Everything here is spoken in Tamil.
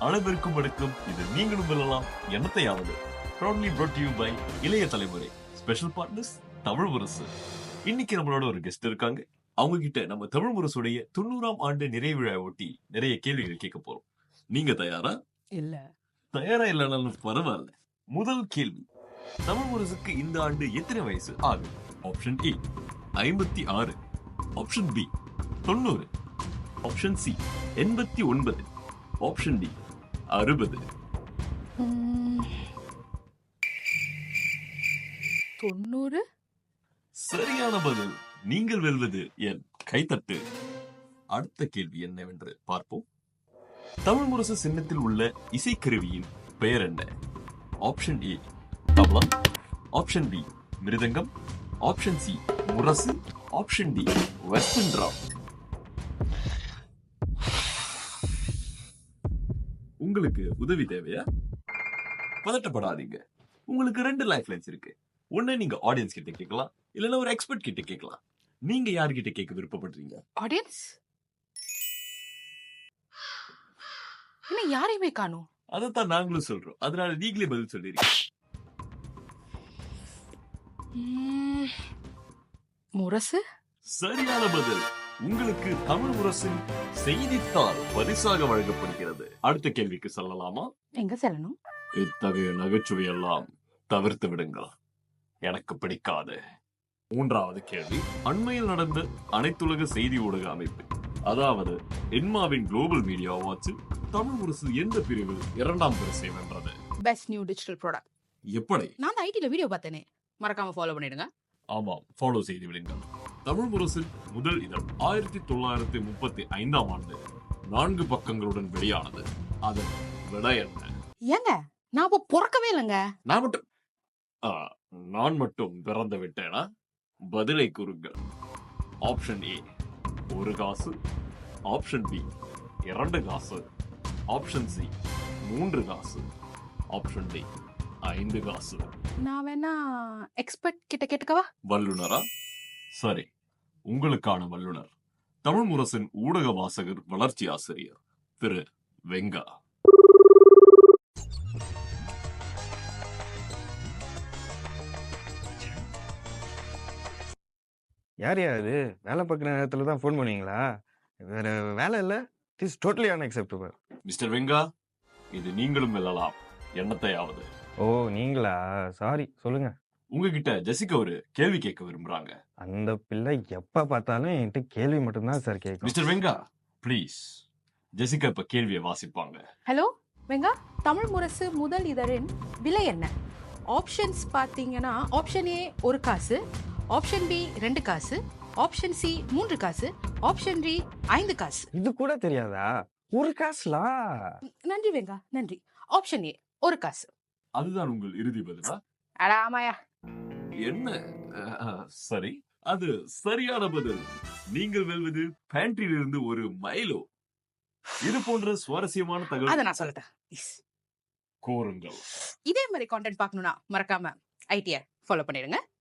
அளவிற்கும் எடுக்கும் இது நீங்களும் வெல்லலாம் எண்ணத்தையாவது. proudly brought to you by இளைய தலைமுறை ஸ்பெஷல் பார்ட்னர்ஸ் தமிழ் முரசு. இன்னைக்கு நம்மளோட ஒரு கெஸ்ட் இருக்காங்க. அவங்க கிட்ட நம்ம தமிழ் முரசுடைய 90ஆம் ஆண்டு நிறைவு விழா ஒட்டி நிறைய கேள்விகள் கேட்க போறோம். நீங்க தயாரா? இல்ல. தயாரா இல்லைனாலும் பரவாயில்ல. முதல் கேள்வி, தமிழ் முரசுக்கு இந்த ஆண்டு எத்தனை வயசு ஆகும்? Option A 56, option B 90, option C 89, option D 60. 90. சரியான பதில். நீங்கள் வெல்வது என் கைத்தட்டு. அடுத்த கேள்வி என்னவென்று பார்ப்போம். தமிழ் முரசு சின்னத்தில் உள்ள இசைக்கருவியின் பெயர் என்ன? Option A tabla, option B mridangam, option C முரசு, ஆப்ஷன் டி வெஸ்டர்ன் டிரம். உங்களுக்கு உதவி தேவையா? பதட்டப்படாதீங்க. உங்களுக்கு 2 லைஃப் லைன்ஸ் இருக்கு. ஒண்ணு நீங்க ஆடியன்ஸ் கிட்ட கேட்கலாம், இல்லனா ஒரு எக்ஸ்பர்ட் கிட்ட கேட்கலாம். நீங்க யார்கிட்ட கேட்க விருப்பப்படுறீங்க? ஆடியன்ஸ்? என்ன யாரையுமே காணோம். அதத்தான் நாங்களும் சொல்றோம். அதனால நீங்களே பதில் சொல்லிருக்கீங்க. முரசு? சரியான பதில். உங்களுக்கு தமிழ் முரசின் செய்தித்தாள் பரிசாக வழங்கப்படுகிறது. அடுத்த கேள்விக்கு செல்லலாமா? எங்க செல்லணும்? இத்தகைய நகைச்சுவை எல்லாம் தவிர்த்து விடுங்கள், எனக்கு பிடிக்காது. மூன்றாவது கேள்வி, அண்மையில் நடந்த அனைத்துலக செய்தி ஊடக அமைப்பு, அதாவது என்மாவின் குளோபல் மீடியா அவார்ட்ஸில் தமிழ் முரசு எந்த பிரிவில் 2ஆம் பரிசை வென்றது? Best new digital product. எப்படி? நான் ஐடில வீடியோ பார்த்தேனே, மறக்காம ஃபாலோ பண்ணிடுங்க. ஆமாம், ஃபாலோ செய்து விடுங்கள். தமிழ் முரசின் முதல் இதழ் 1935ஆம் ஆண்டு 4 பக்கங்களுடன் வெளியானது. அதன் விடை என்ன? ஏங்க, நான் அப்ப பிறக்கவே இல்லைங்க. நான் மட்டும் பிறந்து விட்டேனா? பதிலை கூறுங்கள். ஆப்ஷன் ஏ 1 காசு, ஆப்ஷன் பி 2 காசு, ஆப்ஷன் சி 3 காசு, ஆப்ஷன் டி 5 காசு. நான் வேணா எக்ஸ்பர்ட் கிட்ட கேட்டுக்கவா? வல்லுனரா? சரி, உங்களுக்கான வல்லுனர் தமிழ் முரசின் ஊடக வாசகர் வளர்ச்சி ஆசிரியர் திரு வெங்கா. யார் இது? வேலை பார்க்குற நேரத்தில் தான் ஃபோன் பண்ணுவீங்களா? வேற வேலை இல்லை. It is totally unacceptable. Mister Venga, இது நீங்களும் வெல்லலாம் எண்ணத்தையாவது. ஓ, நீங்களா? சாரி, சொல்லுங்க. உங்ககிட்ட ஜெசிகா ஒரு கேள்வி கேட்க விரும்புறாங்க. அந்த பிள்ளை எப்ப பார்த்தாலும் என்கிட்ட கேள்வி மட்டும்தான் சார் கேட்கும். Mister வெங்கா, please. ஜெசிகா இப்ப கேள்வியை வாசிப்பாங்க. ஹலோ வெங்கா, தமிழ் முரசு முதல் இதழின் விலை என்ன? ஆப்ஷன்ஸ் பார்த்தீங்கன்னா, ஆப்ஷன் ஏ 1 காசு, ஆப்ஷன் பி 2 காசு, ஆப்ஷன் சி 3 காசு, ஆப்ஷன் டி 5 காசு. இது கூட தெரியாதா? 1 காசுலா? நன்றி வெங்கா, நன்றி. ஆப்ஷன் ஏ 1 காசு. அதுதான் உங்கள் இறுதி பதிலா? அட ஆமாயா. என்ன? சரி, அது சரியான பதில். நீங்கள் வெல்வது பேண்ட்ரியில் இருந்து ஒரு மைலோ. இது போன்ற சுவாரஸ்யமான தகவல் அதை நான் சொல்லட்டேன். கூறுங்கள். இதே மாதிரி கான்டென்ட் பார்க்கணும்னா மறக்காம ஐடியை ஃபாலோ பண்ணிடுங்க.